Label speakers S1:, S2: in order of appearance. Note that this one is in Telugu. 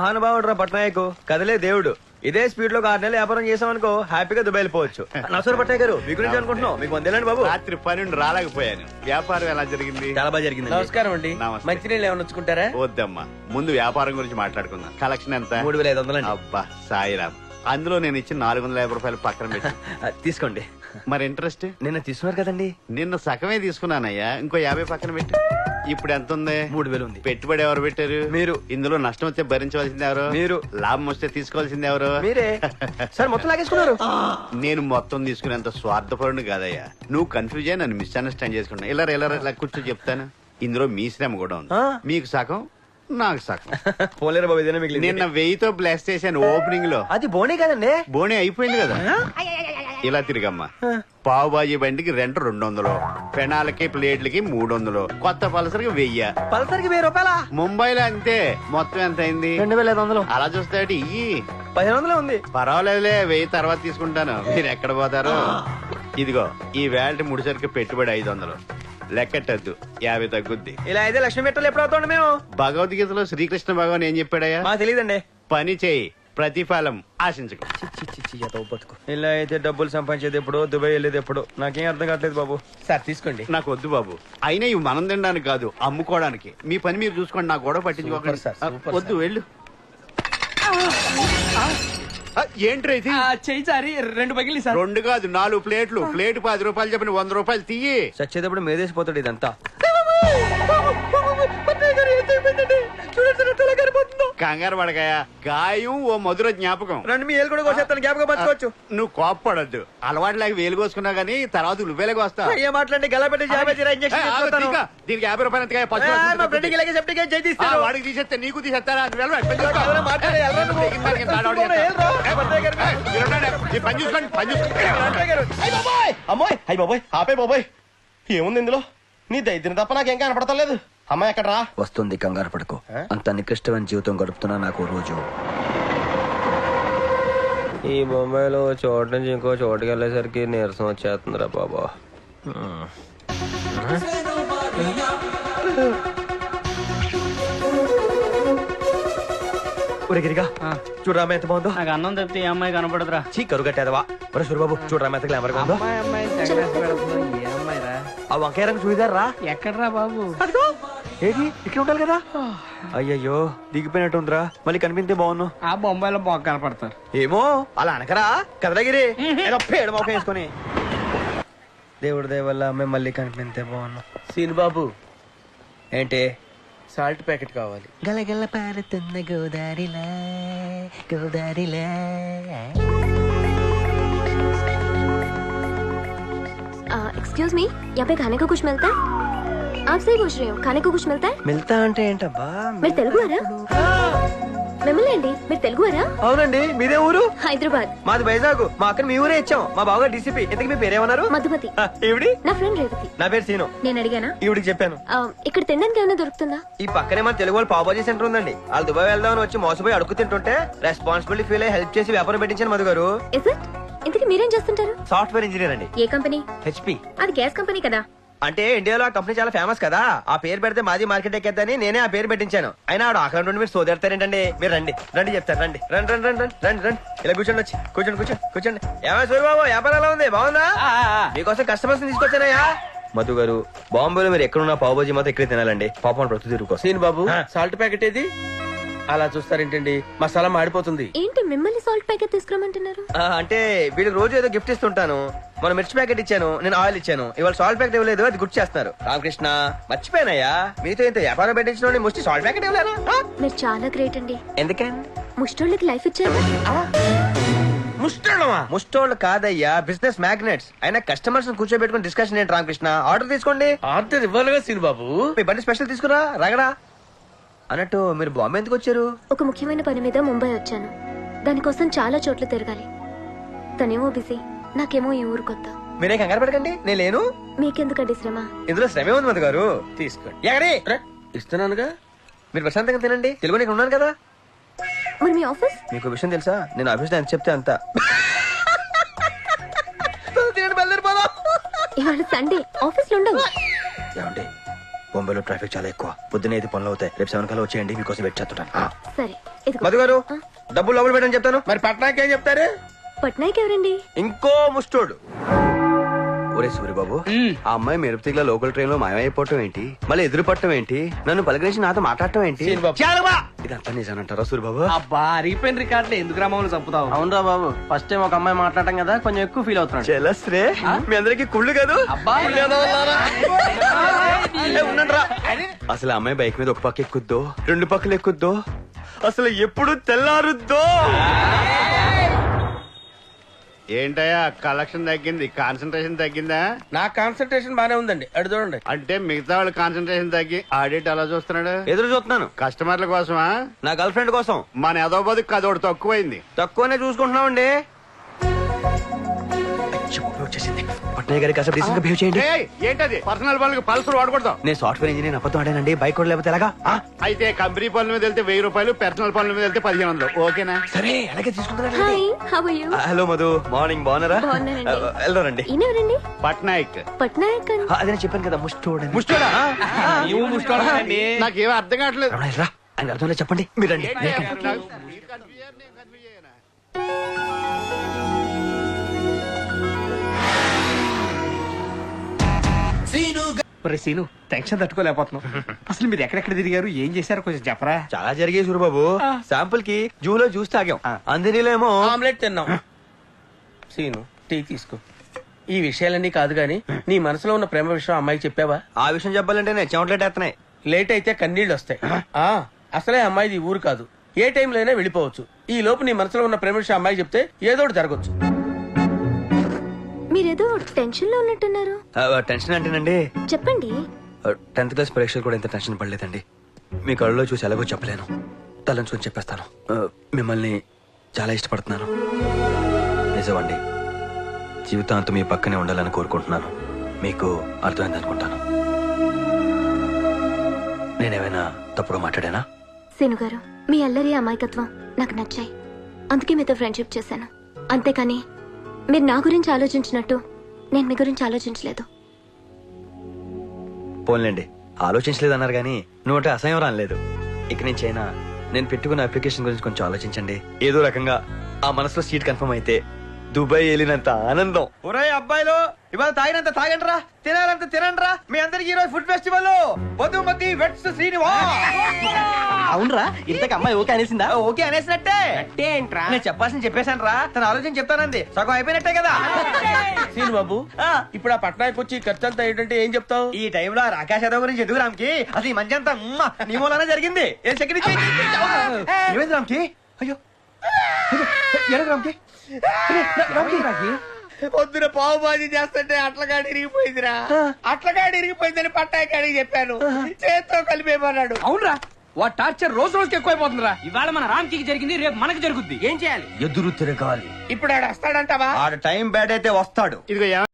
S1: మహానుభావుడు రా పట్నాయక్, కదలే దేవుడు. ఇదే స్పీడ్ లో 6 నెలలు వ్యాపారం చేసామనుకో హ్యాపీగా దుబాయ్ వెళ్ళిపోవచ్చు. నమస్కారం పట్నాయక్ గారు, మీ గురించి అనుకుంటున్నాం. మీకు వందేలండి బాబు.
S2: రాత్రి 12 రాలేకపోయాను. వ్యాపారం ఎలా జరిగింది?
S1: చాలా బాగా జరిగింది.
S3: నమస్కారం అండి. మంచినీళ్ళు ఏమైనా వచ్చుకుంటారా?
S2: వద్దమ్మా, ముందు వ్యాపారం గురించి మాట్లాడుకుందాం. కలెక్షన్ ఎంత?
S1: 3500 అండి.
S2: అబ్బా సాయిరామ్, అందులో నేను ఇచ్చిన 450 రూపాయలు పక్కన పెట్టి
S1: తీసుకోండి.
S2: మరి ఇంట్రెస్ట్?
S1: నిన్న తీసుకున్నారు కదండి.
S2: నిన్న సగమే తీసుకున్నానయ్యా, ఇంకో 50 పక్కన పెట్టి. ఇప్పుడు ఎంత ఉంది?
S1: 3000 ఉంది.
S2: పెట్టుబడి ఎవరు పెట్టారు?
S1: మీరు.
S2: ఇందులో నష్టం వస్తే భరించవలసింది ఎవరు?
S1: మీరు.
S2: లాభం వస్తే తీసుకోవాల్సింది ఎవరు?
S1: మీరే. సార్ మొత్తం లాగేసుకున్నారు.
S2: నేను మొత్తం తీసుకునేంత స్వార్థపరుని కాదయ్యా. నువ్వు కన్ఫ్యూజ్ అయ్యి నన్ను మిస్అండర్స్టాండ్ చేసుకున్నా. ఇలా కూర్చో చెప్తాను. ఇందులో మీ శ్రమ కూడా ఉంది. మీకు సగం, నాకు సగం.
S1: పోలేరు బాబు, ఇదేనా మిగిలింది.
S2: నిన్న 1000తో బ్లాస్ట్ చేశాను ఓపెనింగ్ లో.
S1: అది బోనే కదండి.
S2: బోనే అయిపోయింది కదా. ఇలా తిరిగమ్మా. పావు బాజీ బండికి రెంట్ 200, పెనాలకి ప్లేట్లకి 300, కొత్త పల్సర్కి 1000.
S1: పల్సర్కి 1000 రూపాయల?
S2: ముంబైలో అంతే. మొత్తం ఎంత అయింది?
S1: 2500.
S2: అలా చూస్తే ఇయ్యి
S1: 1500 ఉంది.
S2: పర్వాలేదులే, 1000 తర్వాత తీసుకుంటాను. మీరు ఎక్కడ పోతారు? ఇదిగో ఈ వేల్ట్ ముడిసరికి పెట్టుబడి 500. లెక్కట్టద్దు, 50 తగ్గుద్ది.
S1: ఇలా అయితే లక్ష్మీ మెట్టలు ఎప్పుడు అవుతాండి మేము?
S2: భగవద్గీతలో శ్రీకృష్ణ భగవాన్ ఏం చెప్పాడయ్యా?
S1: మాకు తెలియదండి.
S2: పని చేయి, ప్రతిఫలం ఆశించకు.
S1: ఇలా అయితే డబ్బులు సంపాదించేది ఎప్పుడు, దుబాయ్ వెళ్ళేది ఎప్పుడు, నాకేం అర్థం కావట్లేదు బాబు.
S3: సార్ తీసుకోండి.
S2: నాకు వద్దు బాబు. అయినా ఇవి మనం తినడానికి కాదు, అమ్ముకోవడానికి. మీ పని మీరు చూసుకోండి, నాకు గొడవ పట్టించుకోకండి. వద్దు, వెళ్ళు. ఏంట్రా ఇది?
S3: చెయ్యి సారి 2 పగిలి సార్.
S2: 2 కాదు 4 ప్లేట్లు. ప్లేట్ 10 రూపాయలు చెప్పిన 100 రూపాయలు తీయి.
S1: చచ్చేటప్పుడు మేదేసిపోతాడు ఇదంతా.
S2: కంగారు పడకాయ, గాయం ఓ మధుర జ్ఞాపకం.
S1: రండి, మీ ఏలు కూడా కోసేస్తాను, జ్ఞాపకం పంచుకోవచ్చు.
S2: నువ్వు కోప్పడద్దు. అలవాటు లేక వేలు కోసుకున్నా గానీ తర్వాత నువ్వేలకు వస్తా.
S1: ఏ మాట్లాడి గలపెట్టి
S2: దీనికి 50 రూపాయలు ఎంతకాయ? వాడికి తీసేస్తే నీకు తీసేస్తారా? పని చూసుకోండి, పని
S4: అమ్మాయి అయ్యి బాబోయ్, ఆపే బాబోయ్. ఏముంది ఇందులో? నీ దైత్యం తప్ప నాకేం కనపడతలేదు. అమ్మాయి ఎక్కడ రా?
S1: వస్తుంది, కంగారు పడుకో. అంత నికృష్టమైన జీవితం గడుపుతున్నా నాకు రోజు. ఈ బొంబాయిలో చోటు నుంచి ఇంకో చోటుకి వెళ్ళేసరికి నీరసం వచ్చేస్తుందిరా బాబా. గిరిగా చూడరామ ఎంత బాగుందో.
S3: నాకు అన్నం తప్పితే ఏ అమ్మాయి కనపడదురా.
S1: చీ కరుగట్టేదవా. సూరిబాబు చూడరామ ఎంత గ్లామర్ గా ఉందో. ఆ వంకాయ రంగు చూయిదారు రా.
S3: ఎక్కడరా బాబు?
S1: ఏది ఇక్కడ ఉండాలి కదా. అయ్యయ్యో దిగిపోయినట్టుందిరా. మళ్ళీ కనిపిస్తే బాగున్నావు.
S3: ఆ బొంబాయిలో బాగా కనపడతారు.
S1: ఏమో అలా అనకరా కదలగిరి. పేడ మొక్క వేసుకొని దేవుడి దయ వల్ల మేము మళ్ళీ కనిపిస్తే బాగున్నాం.
S3: సీన్ బాబు
S1: ఏంటి?
S3: సాల్ట్ ప్యాకెట్ కావాలి.
S1: గలగల పారుతున్న గోదారిలా గోదారిలా.
S5: एक्सक्यूज मी, यहाँ पे खाने को कुछ मिलता है? आपसे ही पूछ रही हूँ, खाने को कुछ मिलता है?
S1: మిల్తా అంటే ఏంటబ్బా?
S5: మీరు తెలుగువారా? మిమ్మల్ని అండి, మీరు తెలుగువారా?
S1: అవునండి. మీదే ఊరు?
S5: హైదరాబాద్.
S1: మాది వైజాగ్. మా అక్కని మీ ఊరే ఇచ్చాం. మా బావగారు డీసీపీ. ఇంతకీ మీ పేరేమన్నారు?
S5: మధుమతి.
S1: ఈవిడి?
S5: నా ఫ్రెండ్ రేవతి.
S1: నా పేరు సీను.
S5: నేను అడిగానా?
S1: ఈవిడికి చెప్పాను.
S5: ఇక్కడ తినడానికి ఏమైనా దొరుకుతుందా?
S1: ఈ పక్కనే మన తెలుగు వాళ్ళు పావుబాజీ సెంటర్ ఉందండి. వాళ్ళు దుబాయ్ వెళ్దామని వచ్చి మోసపోయి అడుగు తింటుంటే రెస్పాన్సిబిలిటీ ఫీల్ అయ్యి హెల్ప్ చేసి వ్యాపారం పెట్టించాను మధు గారు.
S5: Is it? ఇంతకీ మీరేం చేస్తుంటారు?
S1: సాఫ్ట్వేర్ ఇంజనీర్ అండి.
S5: ఏ కంపెనీ?
S1: హెచ్పి.
S5: అది గ్యాస్ కంపెనీ కదా.
S1: అంటే ఇండియాలో ఆ కంపెనీ చాలా ఫేమస్ కదా. ఆ పేరు పెడితే మాది మార్కెట్ ఎక్కేద్దని నేనే ఆ పేరు పెట్టించాను. అయినా ఆడు ఆకలి నుండి మీరు సోదెడతారేంటండి. మీరు రండి రండి చెప్తారు. రండి రండి రండి రండి రండి రండి. ఇలా కూర్చోండి, వచ్చి కూర్చోండి కూర్చోండి కూర్చోండి. ఏమైనా సూరిబాబు వ్యాపారం ఎలా ఉంది? బాగుందా? మీకోసం కస్టమర్స్ తీసుకొచ్చానయ్యా. మధు గారు బాంబేలో మీరు ఎక్కడున్నా పావుబాజీ మాత్రం ఇక్కడే తినాలండి. పాపం ప్రతి తిరుగుకో.
S3: సీన్ బాబు సాల్ట్ ప్యాకెట్ ఏది? అలా చూస్తారేంటండి, మసాలా మాడిపోతుంది.
S5: ఏంటి మిమ్మల్ని సాల్ట్ ప్యాకెట్ తీసుకురమ్మంటున్నారు?
S1: అంటే వీళ్ళకి రోజు ఏదో గిఫ్ట్ ఇస్తుంటాను. మన మిర్చి ప్యాకెట్ ఇచ్చాను, నేను ఆయిల్ ఇచ్చాను. ఇవాళ సాల్ట్ ప్యాకెట్ ఇవ్వలేదు, అది గుర్తు చేస్తున్నారు. రామకృష్ణ మర్చిపోయానయ్యా, మీతో ఇంత వ్యాపారం పెట్టించిన ముష్టి సాల్ట్ ప్యాకెట్ ఇవ్వలేనా?
S5: మీరు చాలా గ్రేట్ అండి.
S1: ఎందుకండి?
S5: ముష్టోళ్ళకి లైఫ్ ఇచ్చారు.
S1: ముష్టోళ్ళమా? ముష్టోళ్ళు కాదయ్యా, బిజినెస్ మ్యాగ్నెట్స్. అయినా కస్టమర్స్ కూర్చోబెట్టుకుని డిస్కషన్ ఏంటి రామకృష్ణ? ఆర్డర్ తీసుకోండి.
S3: ఆర్డర్ ఇవ్వాలిగా సీన్ బాబు.
S1: మీ బండి స్పెషల్ తీసుకురా రగడా. అన్నట్టు మీరు బాంబే ఎందుకు వచ్చారు?
S5: ఒక ముఖ్యమైన పని మీద ముంబై వచ్చాను. దానికోసం చాలా చోట్ల తిరగాలి. తనేమో బిజీ, నాకేమో ఈ ఊరు కొత్త.
S1: మీరే కంగారు పడకండి, నేను లేను.
S5: మీకెందుకండి శ్రమ?
S1: ఇందులో శ్రమే ఉంది మధు గారు.
S3: తీసుకోండి.
S1: ఎక్కడి?
S3: ఇస్తున్నానుగా.
S1: మీరు ప్రశాంతంగా తినండి. తెలుగు నీకు ఉన్నాను కదా.
S5: మరి మీ ఆఫీస్?
S1: మీకు విషయం తెలుసా? నేను ఆఫీస్ లో ఎంత చెప్తే అంత.
S5: ఇవాళ సండే, ఆఫీస్ లో ఉండవు.
S1: ఏమండి బొంబాయిలో ట్రాఫిక్ చాలా ఎక్కువ. పొద్దున అయితే పనులు అవుతాయి. రేపు 7 కల్లా వచ్చేయండి, మీకోసం వెయిట్ చేస్తుంటాను.
S5: సరే ఇదిగో.
S1: మధు గారు డబ్బులు లోపల పెట్టని చెప్తాను.
S3: మరి పట్నాకి ఏం చెప్తారు?
S5: పట్నాయక్ ఎవరండి?
S1: ఇంకో ముస్టోడు. ఒరే సూర్యబాబు, ఆ అమ్మాయి మెరుపుతిగ్ల లోకల్ ట్రైన్ లో మాయమైపోవటం ఏంటి, మళ్ళీ ఎదురు పట్టడం ఏంటి, నన్ను పలకరించి నాతో మాట్లాడటం ఏంటి,
S3: సీన్బాబు.
S1: ఇదంతా నిజానంటారా సూర్యబాబు?
S6: అబ్బా అరిగిపోయిన రికార్డులు ఎందుకు రామని చంపుతావు?
S3: అవునరా బాబు, ఫస్ట్ టైం ఒక అమ్మాయి మాట్లాడటం కదా, కొంచెం ఎక్కువ ఫీల్ అవుతున్నాడు.
S1: చెలస్ రే, మీ అందరికి కుళ్ళు కాదు.
S6: అబ్బా
S1: ఉండండిరా. అసలు ఆ అమ్మాయి బైక్ మీద ఒక పక్క ఎక్కుద్దో, 2 పక్కలు ఎక్కుద్దో, అసలు ఎప్పుడు తెల్లారుద్దో.
S2: ఏంటయ్యా కలెక్షన్ తగ్గింది, కాన్సన్ట్రేషన్ తగ్గిందా?
S3: నా కాన్సన్ట్రేషన్ బానే ఉందండి, అడు చూడండి.
S2: అంటే మిగతా వాళ్ళ కాన్సన్ట్రేషన్ తగ్గి ఆడిట్ అలా చూస్తున్నాడు.
S1: ఎదురు చూస్తున్నాను.
S2: కస్టమర్ల కోసమా?
S1: నా గర్ల్ ఫ్రెండ్ కోసం.
S2: మన ఎదో బతుకు కదోడు తక్కువైంది.
S1: తక్కువనే చూసుకుంటున్నామండి. వచ్చేసింది. పట్నాయక్ గారికి అసలు డీసెంట్ గా బిహేవ్ చేయండి.
S2: ఏయ్, ఏంటది పర్సనల్ పనులకు పల్సర్ వాడకూడదు.
S1: నేను సాఫ్ట్వేర్ ఇంజనీర్, అబద్ధం ఆడానండి. బైక్ కూడా లేకపోతే ఎలాగా?
S2: అయితే కంపెనీ పనుల మీద వెళ్తే 1000 రూపాయలు, పర్సనల్ పనుల మీద వెళ్తే 1500. ఓకేనా?
S1: సరే అలాగే తీసుకుంటారా?
S5: Hi, how are you?
S1: Hello Madhu, morning. బాగున్నారా?
S5: బాగున్నానండి.
S1: వెళ్దారండి.
S5: ఈయన ఎవరండి?
S2: పట్నాయక్.
S5: పట్నాయక్ అని.
S1: అదే నేను చెప్పాను కదా, ముస్టోడు.
S2: ముష్టోడా?
S6: నీవు ముష్టోడండి.
S2: నాకేమీ అర్థం కావట్లేదు.
S1: రా, ఆయన అర్థం లేదు, చెప్పండి. మీరండి.
S2: ఏంటయ్యా, మీరు confuse అయ్యారు, నేను confuse అయ్యానా?
S6: ఒరే సీను, టెన్షన్ తట్టుకోలేకపోతున్నావు. అసలు మీరు ఎక్కడెక్కడ తిరిగారు, ఏం చేశారు, కొంచెం చెప్పరా?
S1: చాలా జరిగాయి సూరిబాబు. శాంపుల్ కి జూలో జ్యూస్ తాగాం, అందరిలో
S3: ఆమ్లెట్ తిన్నాం. సీను, టీ తీసుకో. ఈ విషయాలన్నీ కాదు గాని నీ మనసులో ఉన్న ప్రేమ విషయం అమ్మాయికి చెప్పావా?
S1: ఆ విషయం చెప్పాలంటే నేను చెమటలేట్ వేస్తున్నాయి.
S3: లేట్ అయితే కన్నీళ్ళు వస్తాయి. అసలే అమ్మాయిది ఈ ఊరు కాదు, ఏ టైంలో అయినా వెళ్ళిపోవచ్చు. ఈ లోపు నీ మనసులో ఉన్న ప్రేమ విషయం అమ్మాయికి చెప్తే ఏదో ఒకటి జరగచ్చు.
S5: మీరేదో టెన్షన్ లో ఉన్నట్టున్నారు.
S1: టెన్షన్ అంటేనండి,
S5: చెప్పండి.
S1: 10th క్లాస్ పరీక్షలు కూడా ఇంత టెన్షన్ పడలేదండి. మీ కళ్ళలో చూసి ఎలాగో చెప్పలేను, తలంచుకొని చెప్పేస్తాను. మిమ్మల్ని చాలా ఇష్టపడుతున్నాను. నిజమండి, జీవితాంతం మీ పక్కనే ఉండాలని కోరుకుంటున్నాను. మీకు అర్థమైంది అనుకుంటాను. నేనేమైనా తప్పుగా మాట్లాడానా?
S5: సీను గారు, మీ అల్లరి అమాయకత్వం నాకు నచ్చాయి, అందుకే మీతో ఫ్రెండ్షిప్ చేశాను. అంతేకాని మీరు నా గురించి ఆలోచించినట్టు నేను మీ గురించి ఆలోచించలేదు.
S1: పోన్లేండి, ఆలోచించలేదన్నారు కానీ నోట అసహ్యం రాలేదు. ఇక నుంచి అయినా నేను పెట్టుకున్న అప్లికేషన్ గురించి కొంచెం ఆలోచించండి. ఏదో రకంగా ఆ మనసులో సీట్ కన్ఫర్మ్ అయితే దుబాయ్ వెళ్ళినంత ఆనందం. ఒరే అబ్బాయిలు, ఇవాళ తాగినంత తాగండిరా, తినాలంత తినండిరా. మీ అందరికి ఈరోజు food festival. Madhumathi weds Srinivas.
S6: అవునరా, ఇంతకు అమ్మాయి ఓకే అనేసిందా?
S1: ఓకే అనేసినట్టే.
S6: ఏంట్రా?
S1: నేను చెప్పాల్సింది చెప్పేశాను రా, తన ఆలోచన చెప్తానంది. సగం అయిపోయినట్టే కదా.
S3: సీను బాబు, ఇప్పుడు ఆ పట్నాయకు వచ్చి ఖర్చు అంతా ఏంటంటే ఏం చెప్తావు?
S1: ఈ టైంలో రాకేష్ యాదవ్ గురించి ఎందుకు రామ్కి? అసలు ఈ మంచి అంతా నీ మూలనే జరిగింది. ఏమైంది రామ్కి? అయ్యో ఎలాగ రామ్కి?
S3: పొద్దున పావు బాజీ చేస్తుంటే అట్లగాడి ఇరిగిపోయిందిరా. అట్లగాడి ఇరిగిపోయిందని పట్టాయకాడికి చెప్పాను, చేత్తో కలిపేమన్నాడు.
S6: అవునరా, వా టార్చర్ రోజు రోజుకి ఎక్కువైపోతుందిరా. ఇవాళ మన రామ్కి జరిగింది, రేపు మనకి జరుగుద్ది. ఏం చేయాలి?
S1: ఎదురు తిరగాలి.
S3: ఇప్పుడు ఆడు వస్తాడంటావా?
S1: ఆడ టైం బ్యాడ్ అయితే వస్తాడు.
S2: ఇదిగో